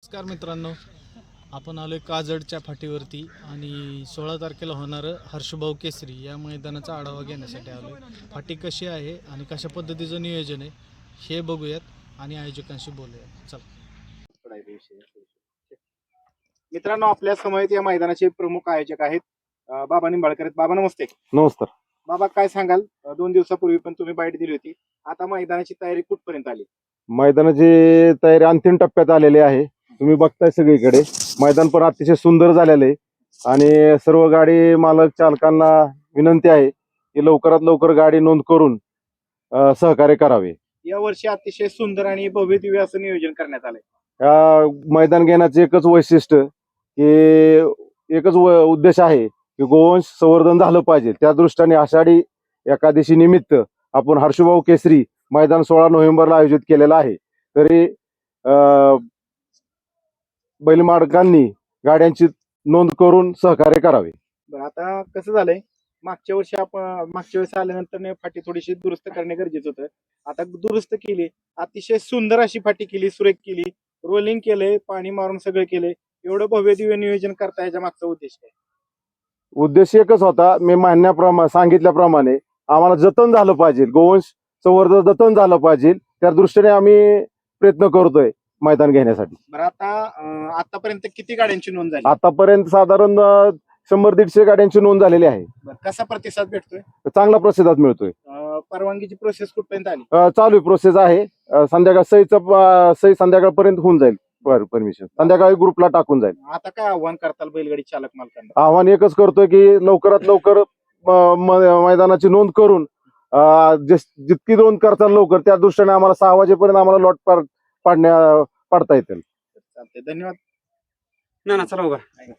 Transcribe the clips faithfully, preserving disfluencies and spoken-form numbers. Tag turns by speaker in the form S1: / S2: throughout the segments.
S1: नमस्कार मित्रांनो, आपण आलो आहे काजडच्या फाटीवरती आणि सोळा तारखेला होणारं हर्षभाऊ केसरी या मैदानाचा आढावा घेण्यासाठी आलो आहे. फाटी कशी आहे आणि कशा पद्धतीचं नियोजन आहे हे बघूयात आणि आयोजकांशी बोलूयात. चला.
S2: मित्रांनो, आपल्या समवेत या मैदानाचे प्रमुख आयोजक आहेत अं, बाबा निंबाळकर आहेत. बाबा नमस्ते.
S3: नमस्कार.
S2: बाबा, काय सांगाल? अं, दोन दिवसापूर्वी पण तुम्ही बाईट दिली होती. आता मैदानाची तयारी कुठपर्यंत आली?
S3: मैदानाची तयारी अंतिम टप्प्यात आलेली आहे. तुम्ही बघताय सगळीकडे मैदान पण अतिशय सुंदर झालेलं आहे आणि सर्व गाडी मालक चालकांना विनंती आहे की लवकरात लवकर गाडी नोंद करून अं, सहकार्य करावे.
S2: या वर्षी अतिशय सुंदर आणि भव्य दिव्य असं नियोजन करण्यात आलंय.
S3: या मैदान घेण्याचे एकच वैशिष्ट्य की एकच व- उद्देश आहे की गोवंश संवर्धन झालं पाहिजे. त्या दृष्टीने आषाढी एकादशी निमित्त आपण हर्षभाऊ केसरी मैदान सोळा नोव्हेंबरला आयोजित केलेलं आहे. तरी अं, बैलमालकांनी गाड्यांची नोंद करून सहकार्य करावे.
S2: बरं, आता कसं झालंय, मागच्या वर्षी आपण मागच्या वेळेस आल्यानंतर ने फाटी थोडीशी दुरुस्त करणे गरजेचं होतं. आता दुरुस्त केली, अतिशय सुंदर अशी फाटी केली, सुरेख केली, रोलिंग केलंय, पाणी मारून सगळं केलंय. एवढं भव्य दिव्य नियोजन करता याच्या मागचा उद्देश काय?
S3: उद्देश एकच होता, मी म्हणण्याप्रमाणे सांगितल्याप्रमाणे आम्हाला जतन झालं पाहिजे, गोवंश संवर्धन जतन झालं पाहिजे. त्या दृष्टीने आम्ही प्रयत्न करतोय मैदान घेण्यासाठी.
S2: बरं, आता अं, आतापर्यंत किती गाड्यांची नोंद झाली?
S3: आतापर्यंत साधारण अं, शंभर दीडशे गाड्यांची नोंद झालेली आहे.
S2: बरं, कसा प्रतिसाद भेटतोय?
S3: चांगला प्रतिसाद मिळतोय.
S2: अं, परवानगीची प्रोसेस कुठपर्यंत आली?
S3: अं, चालू प्रोसेस आहे. अं, संध्याकाळ सईचं सई संध्याकाळपर्यंत होऊन जाईल. परमिशन संध्याकाळी ग्रुपला टाकून जाईल.
S2: आता काय आव्हान करताल बैलगाडी चालक मालकांना?
S3: आव्हान एकच करतोय की लवकरात लवकर अं, म- मैदानाची नोंद करून अं, जिस- जितकी नोंद करताल लवकर त्या दृष्टीने आम्हाला सहा वाजेपर्यंत आम्हाला लॉट पाड- पाडण्या पाडता येतील.
S2: चालतंय, धन्यवाद.
S4: ना ना चला उभा.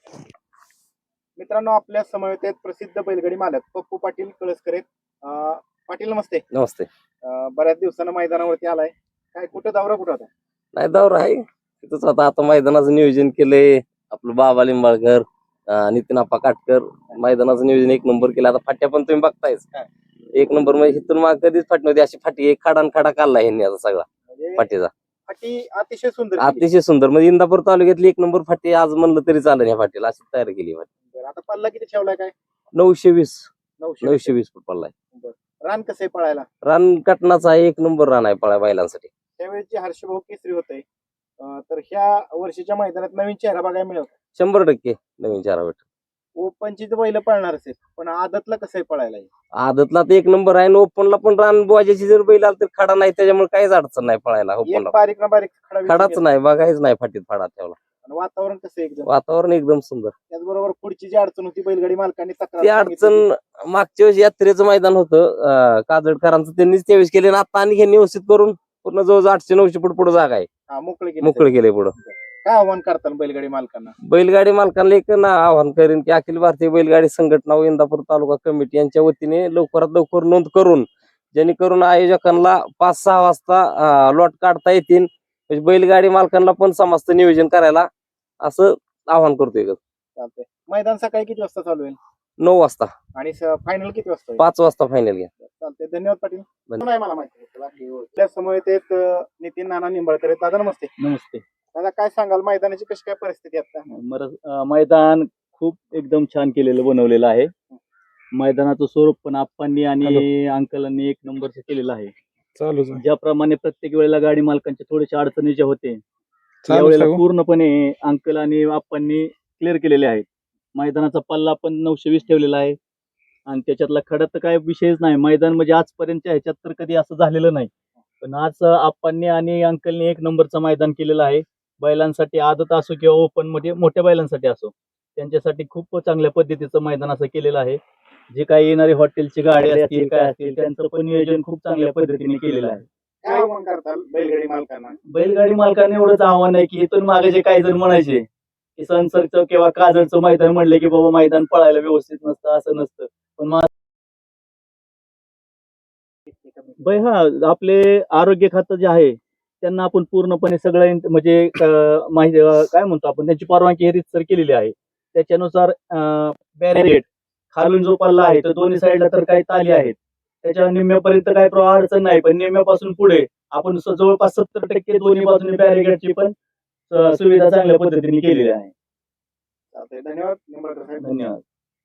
S2: मित्रांनो, आपल्या समवेत आहेत प्रसिद्ध बैलगाडी मालक पप्पू पाटील कळसकर आहेत. अं, पाटील नमस्ते.
S4: नमस्ते.
S2: अं, बऱ्याच दिवसानं मैदानावरती आलाय. काय कुठं दौरा कुठं होता?
S4: नाही दौर आहे तिथंच आता आता मैदानाचं नियोजन केलंय आपलं बाबा लिंबाळकर, अं, नितीन आप्पा काटकर. मैदानाचं नियोजन एक नंबर केलं. आता फाट्या पण तुम्ही बघतायच एक नंबर. म्हणजे इथून माग कधीच फाटी नव्हती अशी फाटी, एक खाडा आणि खाडा काढला ह्यांनी आता सगळा
S2: म्हणजे
S4: फाटीचा.
S2: फाटी अतिशय सुंदर केली.
S4: अतिशय सुंदर. म्हणजे इंदापूर तालुक्यातली एक नंबर फाटी आज म्हणलं तरी चालेल ह्या फाटीला, अशी तयार केली फाटी.
S2: बरं, आता पल्ला किती ठेवलाय? काय
S4: नऊशे वीस
S2: नऊशे
S4: नऊशे वीस फूट पडलाय.
S2: रान कसं आहे पळायला?
S4: रान कटनाचा आहे, एक नंबर रान आहे पळा बैलांसाठी.
S2: त्यावेळेस जे हर्षभाऊ केसरी होते, तर ह्या वर्षीच्या मैदानात नवीन चेहरा बघायला मिळेल.
S4: शंभर टक्के नवीन चारा भेट.
S2: ओपनची तर बैल पळणारच आहे, पण आदतला कसं आहे पळायला?
S4: आदतला तर एक नंबर आहे. ओपनला पण रान बोजाची जर बैल आला तर खडा नाही, त्याच्यामुळे काहीच अडचण नाही पळायला.
S2: एक
S4: ओपनला
S2: बारीक ना बारीक खडा
S4: खडाच
S2: विषय
S4: नाही, बघायच नाही फाटीत फाडा ठेवला.
S2: आणि वातावरण कसं आहे एकदम.
S4: वातावरण एकदम सुंदर.
S2: त्याचबरोबर पुढची जी अडचण होती बैलगाडी मालकांनी तक्रार
S4: ती
S2: सांगितली
S4: अडचण मागच्या वेळेस यात्रेचं मैदान होतं अं, काजडकरांचं, त्यांनीच त्यावेळेस केले. आता आणि ह्यांनी व्यवस्थित करून पूर्ण जवळजवळ आठशे नऊशे फूट पुढे जागा आहे,
S2: हा, मोकळे केली.
S4: मोकळे केले पुढं.
S2: काय आव्हान करताल बैलगाडी मालकांना?
S4: बैलगाडी मालकांना एक ना आवाहन करेन की अखिल भारतीय बैलगाडी संघटना व इंदापूर तालुका कमिटी यांच्या वतीने लवकरात लवकर नोंद करून जेणेकरून आयोजकांना पाच सहा वाजता लॉट काढता येतील. म्हणजे बैलगाडी मालकांना पण समस्त नियोजन करायला असं आवाहन करतोय.
S2: चालतंय. मैदान सकाळी किती वाजता चालू होईल
S4: नऊ वाजता
S2: आणि फायनल किती वाजता होईल?
S4: पाच वाजता फायनल घ्या.
S2: चालतंय, धन्यवाद पाटील.
S4: धन्यवाद.
S2: नाही मला माहिती. आपल्या समोर आहेत अं, नितीन नाना निंबाळकर आहेत. दादा नमस्ते.
S5: नमस्ते.
S2: दादा, काय सांगाल मैदानाची कशी काय परिस्थिती आहे आता?
S5: मर- अं, मैदान खूप एकदम छान केलेलं बनवलेलं आहे. मैदानाचं स्वरूप पण आप्पांनी आणि अंकलांनी एक नंबरचं केलेलं आहे.
S1: चालू
S5: ज्याप्रमाणे प्रत्येक वेळेला गाडी मालकांच्या थोडेसे अडचणी ज्या होते
S1: चालू
S5: यावेळेला
S1: सांगू.
S5: पूर्णपणे अंकल आणि आप्पांनी क्लिअर केलेले आहेत. मैदानाचा पल्ला पण नऊशे वीस ठेवलेला आहे आणि त्याच्यातला खडा तर काय विषयच नाही. मैदान म्हणजे आजपर्यंतच्या ह्याच्यात तर कधी असं झालेलं नाही, पण आज आप्पांनी आणि अंकलनी एक नंबरचं मैदान केलेलं आहे. बैलांसाठी आदत असो किंवा ओपन मध्ये मोठ्या बैलांसाठी असो, त्यांच्यासाठी खूप चांगल्या पद्धतीचं मैदान असं केलेलं आहे. जे काही येणारे हॉटेलची गाडी असतील काय असतील त्यांचं पण नियोजन खूप चांगल्या पद्धतीने केलेलं आहे.
S2: काय आव्हान करताल बैलगाडी मालकांना?
S5: बैलगाडी मालकांना एवढंच आव्हान आहे की इथून मागे जे काही जण म्हणायचे की सनसरचं किंवा काजळचं मैदान म्हणले की बाबा मैदान पळायला व्यवस्थित नसतं, असं नसतं. पण मा- बै हा आपले आरोग्य खातं जे आहे त्यांना आपण पूर्णपणे सगळं इन- म्हणजे अं, माहिती अं, काय म्हणतो आपण त्यांची परवानगी हे रीतसर केलेली आहे. त्याच्यानुसार बॅरिगेट खालून जो पल्ला आहे तो दोन्ही साईडला तर काही ताली आहेत, त्याच्या निम्म्यापर्यंत काही प्र- अडचण नाही. पण निम्म्यापासून पुढे आपण स- जवळपास सत्तर टक्के दोन्ही बाजूने बॅरिगेटची पण स- सुविधा चांगल्या पद्धतीने केलेल्या आहे.
S2: चालतंय. धन्यवाद निंबाळकर साहेब.
S5: धन्यवाद.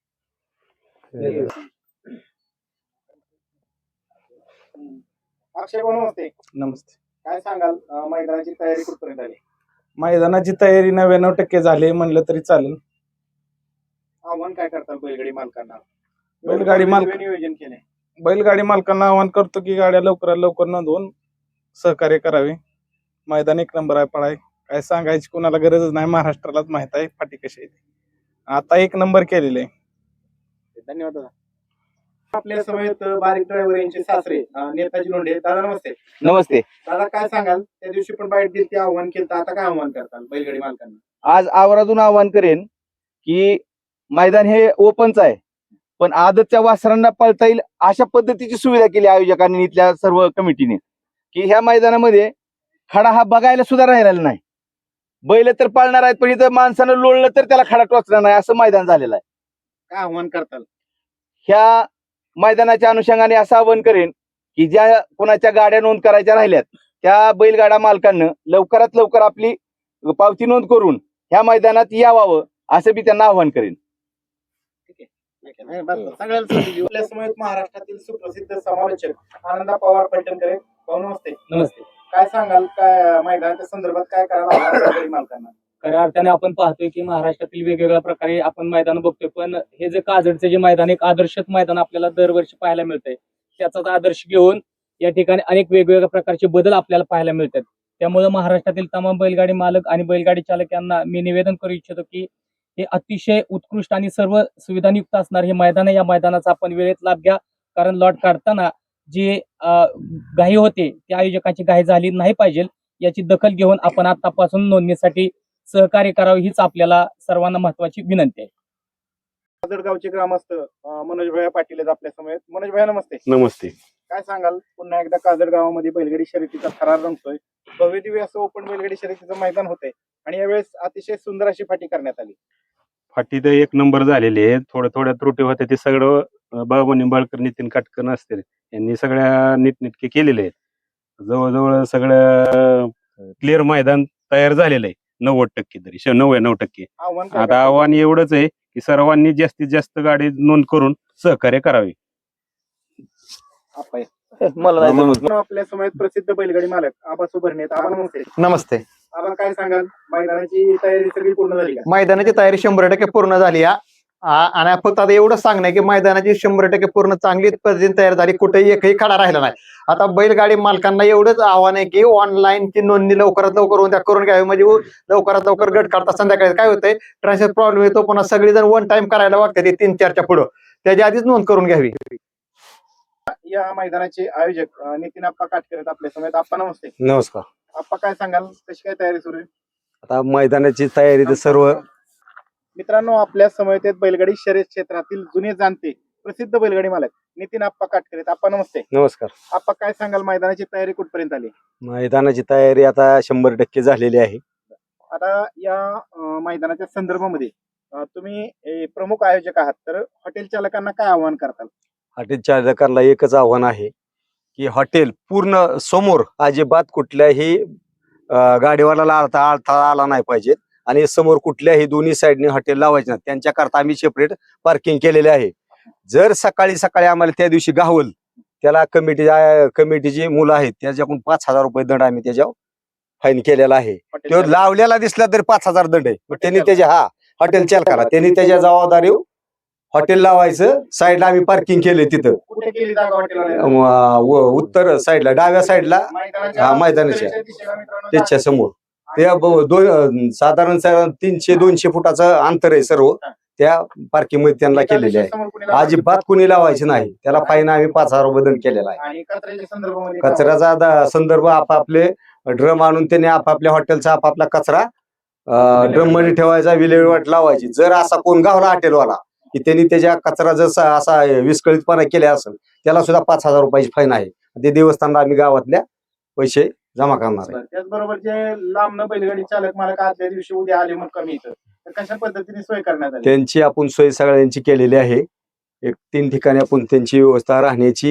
S2: अक्षय भाऊ नमस्ते.
S6: नमस्ते.
S2: काय सांगाल अं, मैदानाची तयारी कुठपर्यंत आली?
S6: मैदानाची तयारी नव्याण्णव टक्के झाली म्हणलं तरी चालेल.
S2: आव्हान काय करताल बैलगाडी मालकांना?
S6: बैलगाडी मालक-
S2: वेगवेगळे नियोजन केले.
S6: बैलगाडी मालकांना आवाहन करतो की गाड्या लवकरात लवकर नोंदवून सहकार्य करावे. मैदान एक नंबर आहे, पळाय काय सांगायची कोणाला गरजच नाही, महाराष्ट्रालाच माहित आहे फाटी कशी आहे ती. आता एक नंबर केलेले आहे.
S2: धन्यवाद दादा. आपल्या समवेत बारीक ड्रायव्हर यांचे सासरे अं, नेताजी लोंढे. दादा नमस्ते.
S7: नमस्ते.
S2: दादा काय सांगाल, त्या दिवशी पण बाईट दिली, आव्हान केलं, आता काय आव्हान करताल बैलगाडी मालकांना?
S7: आज आवर्जून आवाहन करेन की मैदान हे ओपनच आहे, पण आदतच्या वासरांना पळता येईल अशा पद्धतीची सुविधा केली आयोजकांनी, इथल्या सर्व कमिटीने, की ह्या मैदानामध्ये खडा हा बघायला सुद्धा राहिलेला नाही. बैल तर पाळणार आहेत, पण इथं माणसानं लोळलं तर त्याला खडा टोचणार नाही असं मैदान झालेलं आहे.
S2: काय आव्हान करताल?
S7: ह्या मैदानाच्या अनुषंगाने असं आवाहन करेन की ज्या कोणाच्या गाड्या नोंद करायच्या राहिल्यात त्या बैलगाडा मालकांना लवकरात लवकर आपली पावती नोंद करून ह्या मैदानात यावावं असं मी त्यांना आवाहन करेन.
S2: नाही, बस, बस. सगळ्याला संधी देऊ. आपल्या समवेत महाराष्ट्रातील सुप्रसिद्ध समालोचक आनंदा पवार पलटणकर आहेत. भाऊ नमस्ते.
S8: नमस्ते.
S2: काय सांगाल, काय मैदानाच्या संदर्भात काय करायला हवं बैलगाडी मालकांना?
S8: खऱ्या अर्थाने आपण पाहतोय की महाराष्ट्रातील वेगवेगळ्या प्रकारे आपण मैदान बघतोय, पण हे जे काजडचे जे मैदान एक आदर्शक मैदान आपल्याला दरवर्षी पाहायला मिळतंय, त्याचाच आदर्श घेऊन या ठिकाणी अनेक वेगवेगळ्या प्रकारचे बदल आपल्याला पाहायला मिळतात. त्यामुळे महाराष्ट्रातील तमाम बैलगाडी मालक आणि बैलगाडी चालक यांना मी निवेदन करू इच्छितो की हे अतिशय उत्कृष्ट आणि सर्व सुविधांयुक्त असणार हे मैदान आहे. या मैदानाचा आपण वेळेत लाभ घ्या, कारण लॉट काढताना जी घाई होते त्या आयोजकांची घाई झाली नाही पाहिजे याची दखल घेऊन आपण आतापासून नोंदणीसाठी सहकार्य करावे हीच आपल्याला सर्वांना महत्वाची विनंती आहे.
S2: काजडगावचे ग्रामस्थ अं, मनोज भैया पाटील आहेत आपल्या समवेत. मनोज भैया नमस्ते.
S3: नमस्ते.
S2: काय सांगाल, पुन्हा एकदा काजड गावामध्ये बैलगाडी शर्यतीचा थरार रंगतोय. भव्य दिव्य असं ओपन बैलगाडी शर्यतीचं मैदान होतंय आणि यावेळेस अतिशय सुंदर अशी फाटी करण्यात आली.
S9: फाटी तर एक नंबर झालेली आहे. थोड्या थोड्या त्रुटी होत्या ते सगळं अं, बाबा निंबाळकर, नितीन काटकर असतील यांनी सगळ्या नीटनेटके केलेले आहेत. जवळजवळ सगळं क्लिअर मैदान तयार झालेलं आहे नव्वद टक्के तरी श- नव्याण्णव टक्के.
S2: आव्हान काय
S9: आता
S2: करताल?
S9: आव्हान एवढंच आहे की सर्वांनी जास्तीत जास्त गाडी नोंद करून सहकार्य करावे.
S2: आपा या.
S4: मला नाही जमत.
S2: पुन्हा आपल्या समवेत प्रसिद्ध बैलगाडी मालक आबा सुभरणे आहेत. आबा नमस्ते.
S10: नमस्ते.
S2: आबा काय सांगाल, मैदानाची तयारी सगळी पूर्ण झाली का?
S10: मैदानाची तयारी शंभर टक्के पूर्ण झाली या आ- आणि फक्त आता एवढं सांगणं आहे की मैदानाची शंभर टक्के पूर्ण चांगली पद्धतीने तयार झाली, कुठेही एकही खडा राहिला नाही. आता बैलगाडी मालकांना एवढंच आव्हान आहे की ऑनलाईन ची नोंदणी लवकरात लवकर होऊन त्या करून घ्यावी, म्हणजे लवकरात लवकर गट काढता संध्याकाळी काय होतंय ट्रान्सफर प्रॉब्लेम येतो, पुन्हा सगळेजण वन टाइम करायला वागतात ते तीन चारच्या पुढं, त्याच्या आधीच नोंद करून घ्यावी.
S2: या मैदानाचे आयोजक अं, नितीन आप्पा काटकर आहेत आपल्या समवेत. आप्पा नमस्ते.
S11: नमस्कार.
S2: आप्पा काय सांगाल, कशी काय तयारी सुरू आहे?
S11: आता मैदानाची तयारी तर सर्व
S2: मित्रांनो, आपल्या समवेत आहेत बैलगाडी शर्यत क्षेत्रातील जुने जाणते प्रसिद्ध बैलगाडी मालक नितीन आप्पा काटकर आहेत. आप्पा नमस्ते.
S11: नमस्कार.
S2: आप्पा काय सांगाल, मैदानाची तयारी कुठपर्यंत आली?
S11: मैदानाची तयारी आता शंभर टक्के झालेली आहे.
S2: आता या अं, मैदानाच्या संदर्भामध्ये अं, तुम्ही ए, प्रमुख आयोजक आहात, तर हॉटेल चालकांना काय आवाहन करताल?
S11: हॉटेल चालकांना एकच आव्हान आहे की हॉटेल पूर्ण समोर अजिबात कुठल्याही अं, गाडीवाल्याला अडथळा अडथळा आला नाही पाहिजे आणि समोर कुठल्याही दोन्ही साईडने हॉटेल लावायचे नाही. त्यांच्याकरता आम्ही सेपरेट पार्किंग केलेले आहे. जर सकाळी सकाळी आम्हाला त्या दिवशी गावल त्याला कमिटी कमिटीची मुलं आहेत त्याच्याकडून पाच हजार रुपये दंड आम्ही त्याच्यावर फाईन केलेला आहे.
S2: हॉटेल
S11: तो
S2: चालक-
S11: लावलेला दिसला तरी पाच हजार दंड आहे. मग त्यांनी
S2: चालक.
S11: त्याच्या हा हॉटेल चालकाला त्यांनी त्याच्या जबाबदारी हॉटेल लावायचं. साईडला आम्ही पार्किंग केले तिथं
S2: कुठे केली जागा हॉटेलवाल्याला?
S11: अं, व- उत्तर साईडला डाव्या साईडला
S2: मैदानाच्या
S11: हा, मैदानाच्या.
S2: उत्तरेच्या दिशेला मित्रांनो
S11: त्याच्या समोर त्या ब- दोन साधारण सा- तीनशे दोनशे फुटाचं अंतर आहे सर्व त्या पार्किंग मध्ये त्यांना
S2: एका
S11: केलेले आहे.
S2: दिशेसमोर कुणी लावायचं?
S11: अजिबात कुणी लावायचे नाही. त्याला फाईन आम्ही पाच हजार रुपये दंड केलेला आहे.
S2: आणि कचऱ्याच्या संदर्भामध्ये काय?
S11: कचऱ्याचा दा- संदर्भ आपापले ड्रम आणून त्यांनी आपापल्या हॉटेलचा आपापला कचरा ड्रम मध्ये ठेवायचा, विल्हेवाट लावायची. जर असा कोण गावला हॉटेलवाला की त्यांनी त्याच्या कचरा जर असा विस्कळीतपणा केला असेल त्याला सुद्धा पाच हजार रुपयाची फाईन आहे. ते देवस्थानला आम्ही गावातल्या पैसे जमा करणार आहे.
S2: त्याचबरोबर जे लांब बैलगाडी चालक मालक आदल्या दिवशी उद्या आले मग कमी इथं, तर कशा पद्धतीने सोय करण्यात आली?
S11: त्यांची आपण सोय सगळ्यांची केलेली आहे. एक तीन ठिकाणी आपण त्यांची व्यवस्था राहण्याची,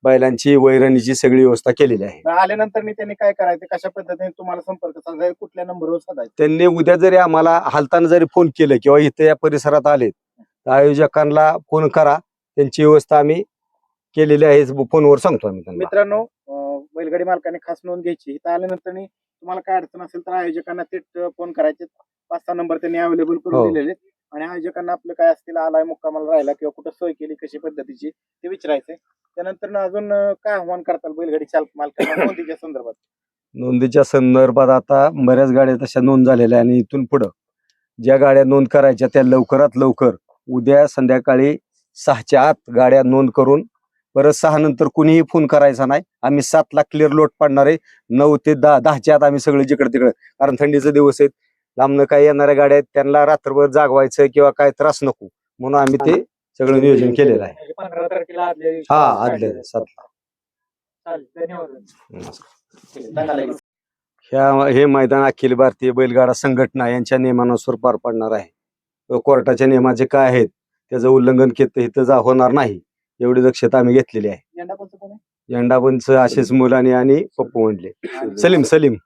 S11: बैलांची वैरणीची सगळी व्यवस्था केलेली आहे.
S2: मग आल्यानंतर मी त्यांनी काय करायचं, कशा पद्धतीने तुम्हाला संपर्क साधायचा, कुठल्या नंबरवर साधायचा?
S11: त्यांनी उद्या जरी आम्हाला हालताना जरी फोन केलं किंवा इथे या परिसरात आले तर आयोजकांना फोन करा, त्यांची व्यवस्था आम्ही केलेली आहे फोनवर सांगतो आम्ही त्यांना.
S2: मित्रांनो, अं, बैलगाडी मालकाने खास नोंद घ्यायची. इथं आल्यानंतर नी तुम्हाला काय अडचण असेल तर आयोजकांना थेट फोन करायचे. पाच सहा नंबर त्यांनी अवेलेबल
S11: हो.
S2: करून दिलेले आहेत. आणि आयोजकांना आपलं काय असतील, आलाय मुक्कामाला राहिला किंवा कुठं सोय केली कशी पद्धतीची ते विचारायचंय. त्यानंतर अजून अं, काय आव्हान करताल बैलगाडी चालक मालकांना नोंदीच्या संदर्भात?
S11: नोंदीच्या संदर्भात आता बऱ्याच गाड्या तशा नोंद झालेल्या आहे आणि इथून पुढं ज्या गाड्या नोंद करायच्या त्या लवकरात लवकर उद्या संध्याकाळी सहाच्या आत गाड्या नोंद करून परत सहा नंतर कुणीही फोन करायचा नाही. आम्ही सातला क्लिअर लोट पाडणार आहे. नऊ ते दहा दहाच्या आत आम्ही सगळे जिकडे तिकडे, कारण थंडीचे दिवस आहेत, लांबनं काही येणाऱ्या गाड्या आहेत त्यांना रात्रभर जागवायचं किंवा काय त्रास नको म्हणून आम्ही ते सगळं नियोजन केलेलं आहे.
S8: म्हणजे पंधरा तारखेला आदल्या दिवशी
S11: हा
S8: काढले.
S11: आदल्या सातला.
S8: चालेल, धन्यवाद.
S11: नमस्कार. ह्या हे मैदान अखिल भारतीय बैलगाडा संघटना यांच्या नियमानुसार पार पडणार आहे. कोर्टाच्या नियमाचे काय आहेत त्याचं उल्लंघन केलं इथं जा होणार नाही एवढी दक्षता आम्ही घेतलेली आहे.
S2: यंदा कोण आहे?
S11: झेंडापंच आशिष मुलानी आणि पप्पू म्हणले सलीम सलीम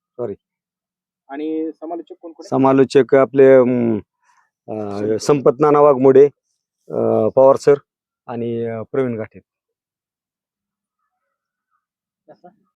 S2: आणि समालोचक कोण कोण आहे?
S11: समालोचक आपले अं, अं, संपत नाना वाघमोडे, अं, पवार सर आणि अं, प्रवीण घाटे.